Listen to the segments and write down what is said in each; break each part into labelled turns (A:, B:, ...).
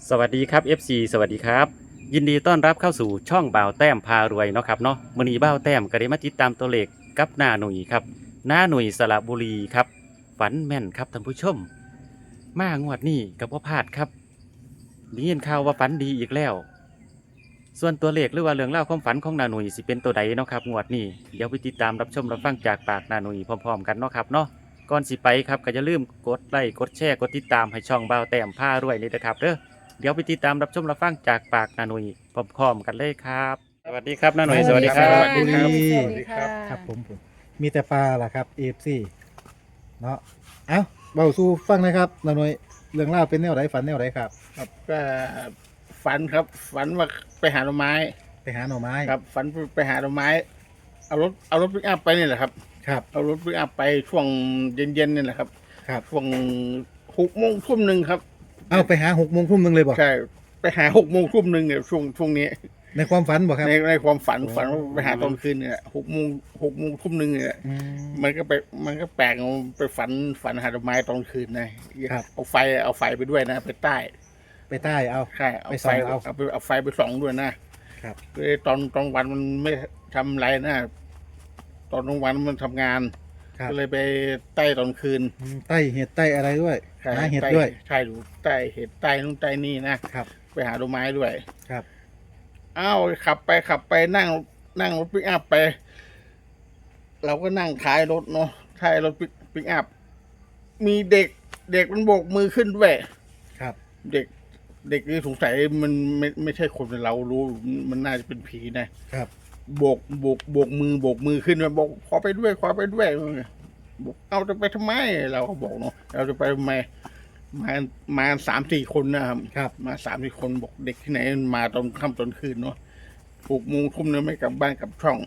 A: สวัสดีครับ FC สวัสดีครับยินดีต้อนรับเข้าสู่ช่องบ่าวแต้มพารวยเนาะครับเนาะมื้อนี้บ่าวแต้มก็ได้มาติดตามตัวเลขกับหน้าหนุ่ยครับหน้าหนุ่ยสระบุรีครับฝันแม่นครับท่านผู้ชมมางวดนี้กับพ่พลาดครับได้ยินข่าวว่าฝันดีอีกแล้วส่วนตัวเลขหรือว่าเรื่องเล่าวความฝันของหน้าหนุ่ยสิเป็นตัวใดเนาะครับงวดนี้เดี๋ยวไปติดตามรับชมรับฟังจากปากหน้าหนุ่ยพร้อมๆกันเนาะครับเนาะก่อนสิไปครับก็อย่าลืมกดไลค์กดแชร์กดติดตามให้ช่องบ่าวแต้มพารวยนี่นะครับเด้อ เดี๋ยวไปติดตามรับชมรับฟังจากปากนาหนุยพร้อมๆกันเลยครับสวัสดีครับนาหนุยสวัสดีครั
B: ส
A: บ
B: วัสดีครับ
C: ส
B: ส
C: วั
B: วั
C: ส
B: ส
C: ดี
B: ดี
C: ค
B: ค
C: รั
B: รับ
C: ครับผมมีแต่ปลาล่ะครับเอฟซีเนาะเอ้าเบาสู่ฟังนะครับนาหน่อยเรื่องเล่าวเป็นแนวไหนฝันแนวไหนครับ
B: ครับก็ฝันครับฝันว่าไปหาหน่อไม้
C: ไปหาหน่อไม้
B: ครับฝันไปหาหน่อไม้เอารถปิกอัพไปนี่แหละครับ
C: ครับ
B: เอารถปิกอัพไปช่วงเย็นๆนี่แหละครับ
C: ครับ
B: ช่วง6 โมงทุ่มหนึ่งครับ
C: เอาไปหา6 โมงทุ่มเลยบอก
B: ใช่ไปหา6 โมงทุ่มหนึ่งเนี่ยช่วงนี้
C: ในความฝันบอกครับ
B: ในความฝัน
C: โอ้
B: ฝันว่าไปหาตอนคืนเนี่ย6 โมงทุ่มหนึ่งเนี่ย
C: อืม
B: มันก็แปลกไปฝันหาดอกไม้ตอนคืนนะครับ เอาไฟไปด้วยนะไปใต้
C: ไปใต้เอา
B: ใช่
C: ไปส่องเอา
B: เอาไฟไปส่องด้วยนะครับ คือตอนวันมันไม่ทำอะไรนะตอนกลางวันมันทำงาน
C: ครับ
B: ก็เลยไปใต้ตอนคืน
C: ใต้เห็ดใต้อะไรด้วย
B: ใช่
C: หาเห็ด
B: ใต้
C: ด้วย
B: ใช่ดูใต้เห็ดใต้นู่นใต้นี่นะครับ ไปหาดอกไม้ด้วย
C: ครับ
B: อ้าวขับไปนั่งรถปิกอัพไป เราก็นั่งท้ายรถเนาะท้ายรถปิกอัพมีเด็กมันโบกมือขึ้นด้วย
C: ครับ
B: เด็กนี่สงสัยมันไม่ใช่คนเรารู้มันน่าจะเป็นผีนะครับ โบกมือขึ้นมาบอกขอไปด้วยบอกเอาจะไปทำไมเราก็บอกเนาะเราจะไปทำไมมา3-4 คนนะครับ
C: ครับ
B: มา3-4 คนบอกเด็กที่ไหนมันมาตอนค่ำตอนคืนเนาะ6 โมงทุ่มเนี่ยไม่กลับบ้านกลับช่อง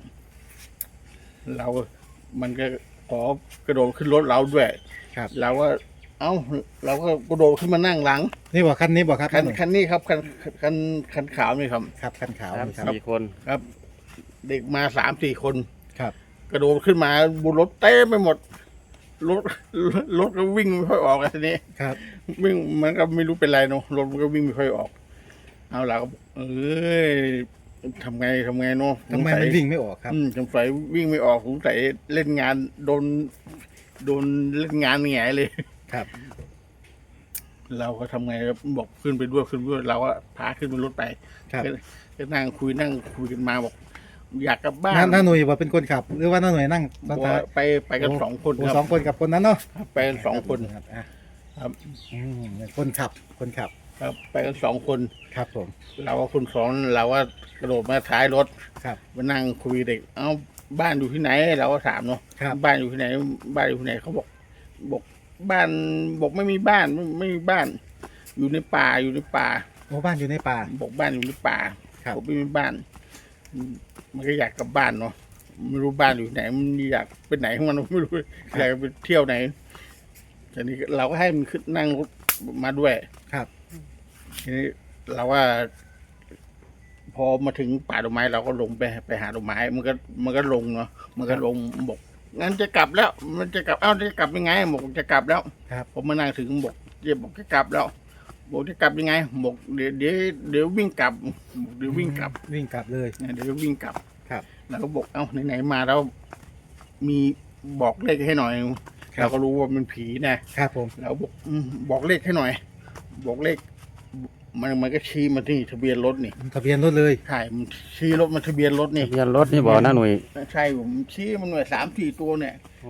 B: มันก็ขอกระโดดขึ้นรถเราด้วย
C: ครับ
B: เราก็เราก็กระโดดขึ้นมานั่งหลัง
C: นี่บอกคันนี้บอกครับ
B: คันนี้ครับคันขาวนี่ครับ
C: ครับคันขาว
A: สาม
C: นี่ครับ
A: สี่คน
B: ครับ เด็กมา3-4 คน
C: ครับ
B: กระโดดขึ้นมาบนรถเต้ไปหมดรถรถก็วิ่งไม่ค่อยออกอะทีนี้
C: ครับ
B: วิ่งมันก็ไม่รู้เป็นไรเนาะรถมันก็วิ่งไม่ค่อยออก เอาเราก็เอ้ยทำไงเนาะ
C: ทำไมมันวิ่งไม่ออกครับ
B: สงสัยวิ่งไม่ออกสงสัยเล่นงานโดนเล่นงานแหงเลย
C: ครับ
B: เราก็ทำไงครับบอกขึ้นไปด้วยเราก็พาขึ้นบนรถไป
C: ครับ
B: ก็นั่งคุยกันมาบอก อยากกลับบ้าน
C: น้าหน่วยบอกเป็นคนขับ หรือว่าน้าหน่วยนั่ง
B: บ
C: ด้า
B: อน ก
C: ท้าย
B: ว่าไปกัน2 คน
C: โอ้
B: ครับ
C: สองคนกับคนนั้นเนาะ
B: ไปกัน2 คน
C: ครับอ่ะ
B: ครับ
C: อืมคนขับ
B: ครับ ไปกัน2 คน
C: ครับผม
B: เราว่าคนสองเราว่ากระโดดมาท้ายรถ
C: ครับ
B: มานั่งคุยเด็ก เอ้าบ้านอยู่ที่ไหนเราก็ถามเนาะ
C: ครับ
B: บ้านอยู่ที่ไหนเขาบอกบ้านบอกไม่มีบ้านไม่มีบ้าน อยู่ในป่า
C: โอ้บ้านอยู่ในป่า
B: บอกบ้านอยู่ในป่า
C: ครับ
B: ผมไม่มีบ้าน มันก็อยากกลับบ้านเนาะไม่รู้บ้านอยู่ไหนมันอยากไปไหนของมันไม่รู้อยากไปเที่ยวไหนทีนี้เราก็ให้มันขึ้นนั่งรถมาด้วย
C: ครับ
B: ทีนี้เราว่า พอมาถึงป่าดอกไม้เราก็ลงไปหาดอกไม้มันก็ลงเนาะมันก็ลงบอกงั้นจะกลับแล้ว มันจะกลับจะกลับยังไงบอกจะกลับแล้ว
C: ครับ
B: ผมมานั่งถึงบอกบอกจะกลับแล้วบอกจะกลับยังไงบอกเดี๋ยววิ่งกลับเดี๋ยววิ่งกลับ
C: วิ่งกลับเลย
B: เดี๋ยววิ่งกลับ
C: ครับ
B: เราก็บอกไหนๆมาแล้วมีบอกเลขให้หน่อย
C: ครับ
B: เราก็รู้ว่ามันผีนะครับ
C: ผม
B: เราบอกบอกเลขให้หน่อย บอกเลข มันก็ชี้มาที่ทะเบียนรถนี่
C: ทะเบียนรถเลย
B: ใช่มันชี้รถมาทะเบียนรถนี่
A: ทะเบียนรถนี่บอกนาหนุย
B: ใช่ผมชี้มันหน่วย3-4 ตัวเนี่ย
A: โอ้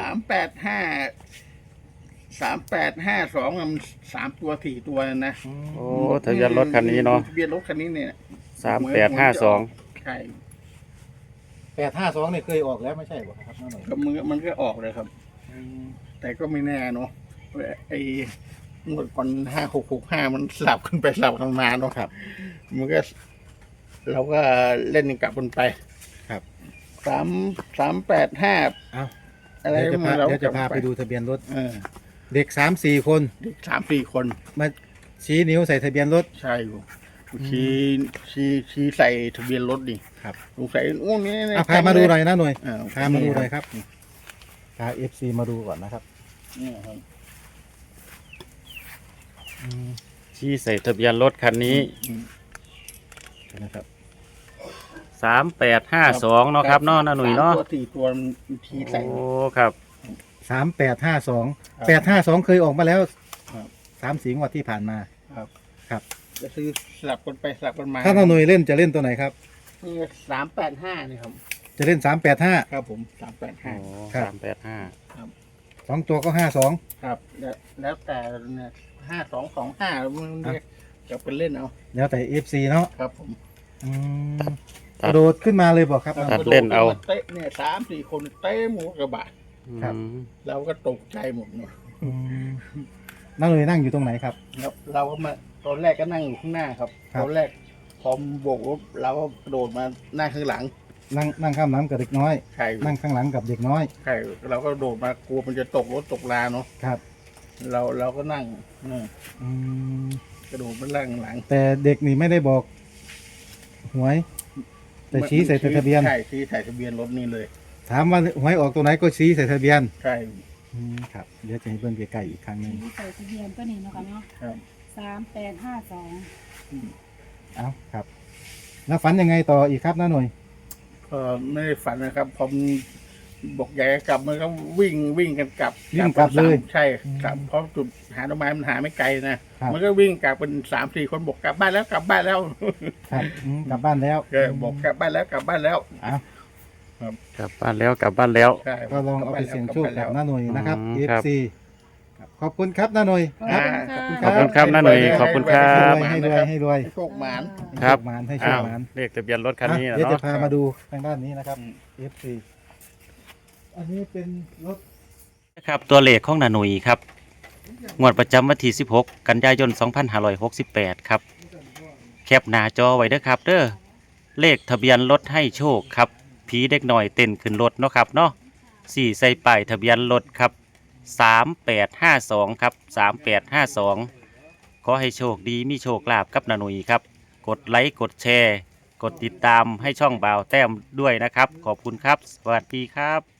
B: 3852มัน3 ตัว 4 ตัวนะ
A: โอ้ทะเบียนรถคันนี้เนาะ
B: ทะเบียนรถคันนี้เนี่ย
A: 3852
B: ใช่
C: 852เนี่ยเคยออกแล้วไม่ใช่บ่ครับน้าหน่อย
B: ก็มันก็ออกเลยครับ แต่ก็ไม่แน่เนาะไอ้งวดก่อน5665มันสลับขึ้นไปสลับกันมาเนาะ
C: ครับ
B: มันก็เราก็เล่นกลับกันไป
C: ครับ
B: 385
C: เอา
B: อะไร
C: เดี๋ยวจะพา
B: เรา
C: เดี๋ยวจะพาไปดูทะเบียนรถ
B: เออ
C: เด็ก3-4 คน
B: 3-4 คน
C: มาชี้นิ้วใส่ทะเบียนรถ
B: ใช่อยู่ชี้ใส่ทะเบียนรถดิ
C: ครับ
B: สงสัยโอ้นี่
C: อ่ะพามาดูหน่อยนะหน่วย
B: อ่
C: พามาดูหน่อยครับพา FC มาดูก่อนนะครับ
B: นี่ครับ
C: อืม
A: ชี้ใส่ทะเบียนรถคันนี้
C: นะครับ
A: 3852เนาะครับเนาะน้าหนุ่ยเนาะ
B: 3 ตัว 4 ตัวมันทีใส่
A: โอ้ครับ
C: 3852 852เคยออกมาแล้ว
B: ครับ
C: 3 สีงวดที่ผ่านมา
B: ครับ
C: ครับ
B: จะซื้อสลับกันไปสลับกันมา
C: ถ้าน้าหน่วยเล่นจะเล่นตัวไหนครับ
B: นี่385นี่ครับ
C: จะเล่น385
B: ครับผม
A: โอ้
B: 385
C: ครับ
A: 385
C: 2 ตัวก็ 52
B: ครับแล้วแต่เนี่ย5225มันเรียกจะเป็นเล่นเอา
C: แล้วแต่ FC เนาะ
B: ครับผม
C: อืมกระโดดขึ้นมาเลยบอกครับ
A: ตัดเล่นเอา
B: เตะเนี่ย3-4 คนเตะหมูกระบะ
C: ครับ
B: เราก็ตกใจหมดเนาะ
C: อืมน้าหน่วยนั่งอยู่ตรงไหนครับ
B: ครับเราก็มาตอนแรกก็นั่งอยู่ข้างหน้าครับ
C: ครับ
B: ตอนแรกพอโบกรถเราก็กระโดดมาหน้าข้างหลัง
C: นั่งข้ามน้ำกับเด็กน้อย
B: ใช่
C: นั่งข้างหลังกับเด็กน้อย
B: ใช่เราก็โดดมากลัวมันจะตกรถตกลาเนาะ
C: ครับ
B: เราก็นั่งเนี่ย
C: อืม
B: กระโดดมาล่างหลัง
C: แต่เด็กนี่ไม่ได้บอกหวย แต่ชี้ใส่ทะเบียน
B: ใช่ชี้ใส่ทะเบียนรถนี่เลย
C: ถามว่าหวยออกตัวไหนก็ชี้ใส่ทะเบียน
B: ใช่
C: ครับเดี๋ยวจะให้เบิ่งใกล้ๆอีกครั้งหนึง
D: ใส่ทะเบียนก็นี่เนาะค่ะเนาะ
B: ครับ
D: 3852
C: เอาครับ แล้วฝันยังไงต่ออีกครับน้าหน่วย
B: ก็ไม่ได้ฝันนะครับพอมันบอกอยากจะกลับมันก็วิ่งกันกลับ
C: วิ่งกลับเลย
B: ใช่กลับเพราะจุดหาต้นไม้มันหาไม่ไกลนะครับ มันก็วิ่งกลับเป็น3-4 คนบอกกลับบ้านแล้วกลับบ้านแล้ว
C: ครับกลับบ้านแล้ว
B: ก็บอกกลับบ้านแล้วกลับบ้านแล้ว
C: เอา
A: กลับบ้านแล้วกลับบ้านแล้ว
B: ใช่
C: ก็ลองเอาไปเสี่ยงโชค
B: กลั
C: กั
B: บบ บ้าน
C: น้าหน่วยนะครับ
A: ครับ
C: FC ครับขอบคุณครับน้าหน่วย
D: ขอบ
C: ครั
D: คุณ
A: ขอบคุณครับน้าหน่วยขอบคุณครั
C: ให้ร
A: บ
C: วยให้รวยให้รวย
B: ให้โชคหมาน
A: ครับ
C: ให้โชหมานให้โช
A: อ้า
C: คว หมาน
A: เลขทะเบียนรถคันนี้นะ
C: เดี๋ยวจะ
A: เนาะ
C: พามาดูทางด้านนี้นะครับ FC อันนี้เป็นรถ
A: ครับตัวเลขของนาหนุยครับงวดประจำวันที่16 กันยายน 2568 ครับแคปหน้าจอไว้เด้อครับเด้อเลขทะเบียนรถให้โชคครับผีเด็กหน่อยเต้นขึ้นรถเนาะครับเนาะ4ใส่ป้ายทะเบียนรถครับ3852ครับ3852ขอให้โชคดีมีโชคลาภกับนาหนุยครับกดไลค์กดแชร์ กดติดตามให้ช่องบ่าวแต้มด้วยนะครับ ขอบคุณครับ สวัสดีครับ